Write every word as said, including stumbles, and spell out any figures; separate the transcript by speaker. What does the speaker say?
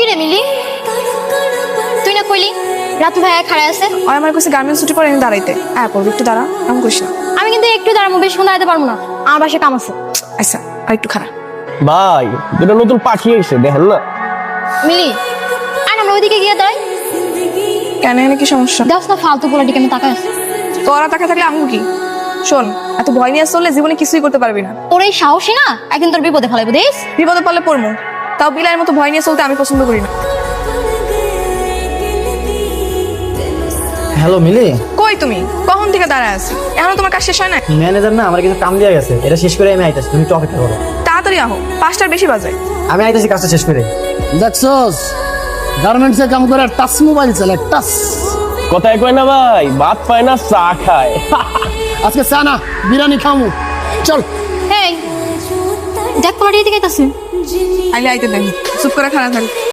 Speaker 1: কি রে মিলি, তুই না কইলি রাতু ভাইয়া খাড়ায় আছে?
Speaker 2: আর আমার কাছে গার্মেন্টস ছুটি পরে এনে দাঁড়াইতে। হ্যাঁ পড়বি, একটু দাঁড়া, এমন করিস না।
Speaker 1: আমি কিন্তু একটু দাঁড়াবো, বেশিক্ষণ দাঁড়াতে পারবো না, আমার বাসায় কাম আছে।
Speaker 2: আচ্ছা আর একটু খারাপ।
Speaker 3: ভাই দুটো নতুন পাখি এসে দেখেন না।
Speaker 1: মিলি আর আমরা ওইদিকে গিয়ে দাঁড়াই।
Speaker 2: কেন, এনে কি সমস্যা?
Speaker 1: দেখ না ফালতু পোলা দিকে আমি তাকাই আছি।
Speaker 2: তোরা টাকা থাকলে আমি কি? শোন, এত ভয় নিয়ে চললে জীবনে কিছুই করতে পারবি না।
Speaker 1: তোর এই সাহসী না একদিন তোর বিপদে ফেলাইবো দেখ।
Speaker 2: বিপদে পড়লে পড়বো, তাও বিলাইয়ের মতো ভয় নিয়ে চলতে আমি পছন্দ করি না।
Speaker 4: হ্যালো মিলি,
Speaker 2: কই তুমি? কখন থেকে দাঁড়ায় আছি, এখনো তোমার কাজ শেষ হয় না?
Speaker 4: ম্যানেজার না আমার কিছু কাম দিয়ে গেছে, এটা শেষ করে আমি আইতাছি, তুমি একটু অপেক্ষা করো।
Speaker 2: তাড়াতাড়ি আহো, পাঁচটার বেশি বাজে।
Speaker 4: আমি আইতাছি কাজটা শেষ করে।
Speaker 5: দেখছস গার্মেন্টসে কাম করে টাচ মোবাইল চালায়, টাচ।
Speaker 3: কথায় কয় না ভাই, ভাত পায় না চা খায়।
Speaker 5: আজকে চা না বিরিয়ানি খামু, চল।
Speaker 1: হেই দেখ পোলাটি এদিকে আইতাছে।
Speaker 2: আইলে আইতে দেন, চুপ করে খারাপ থাক।